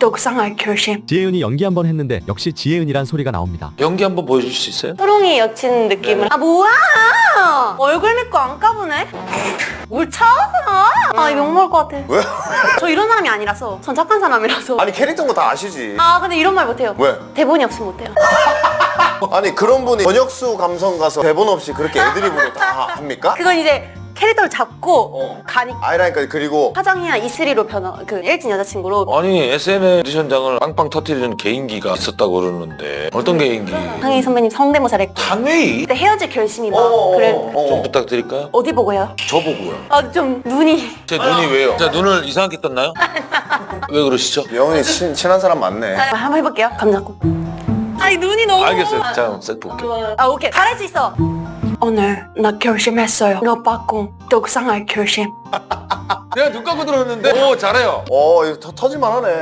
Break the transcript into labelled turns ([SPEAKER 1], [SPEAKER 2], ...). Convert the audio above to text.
[SPEAKER 1] 떡상할 결심.
[SPEAKER 2] 지혜은이 연기 한번 했는데 역시 지혜은이란 소리가 나옵니다.
[SPEAKER 3] 연기 한번 보여줄 수 있어요?
[SPEAKER 1] 호롱이 여친 느낌을. 아 뭐야? 얼굴 믿고 안 까보네? 뭘 찾아? 아 이거 욕먹을 것 같아.
[SPEAKER 4] 왜?
[SPEAKER 1] 저 이런 사람이 아니라서. 전 착한 사람이라서.
[SPEAKER 4] 아니 캐릭터인 거 다 아시지.
[SPEAKER 1] 아 근데 이런 말 못해요.
[SPEAKER 4] 왜?
[SPEAKER 1] 대본이 없으면 못해요.
[SPEAKER 4] 아니 그런 분이 번역수 감성 가서 대본 없이 그렇게 애드립으로 다 합니까?
[SPEAKER 1] 그건 이제 캐릭터를 잡고 가니까.
[SPEAKER 4] 아이라인까지 그리고
[SPEAKER 1] 화정이랑 이슬이로 그 일진 여자친구로.
[SPEAKER 3] 아니 SNL 오디션장을 빵빵 터뜨리는 개인기가 있었다고 그러는데 어떤 개인기?
[SPEAKER 1] 강희 선배님 성대모사를 했고.
[SPEAKER 3] 한웨이?
[SPEAKER 1] 그때 헤어질 결심이 막 그래.
[SPEAKER 3] 좀 부탁드릴까요?
[SPEAKER 1] 어디 보고요?
[SPEAKER 3] 저 보고요.
[SPEAKER 1] 아 좀 눈이.
[SPEAKER 3] 제 눈이 왜요? 제 눈을 이상하게 떴나요? 왜 그러시죠?
[SPEAKER 4] 영훈이 친한 사람 많네.
[SPEAKER 1] 한번 해볼게요. 감 잡고. 아니 눈이 너무.
[SPEAKER 3] 알겠어요. 자, 한번 쓱 볼게요.
[SPEAKER 1] 아 오케이 잘할 수 있어. 오늘 나 결심했어요. 너 받고 떡상할 결심.
[SPEAKER 3] 내가 눈 감고 들었는데 오 잘해요.
[SPEAKER 4] 이거 터질만 하네.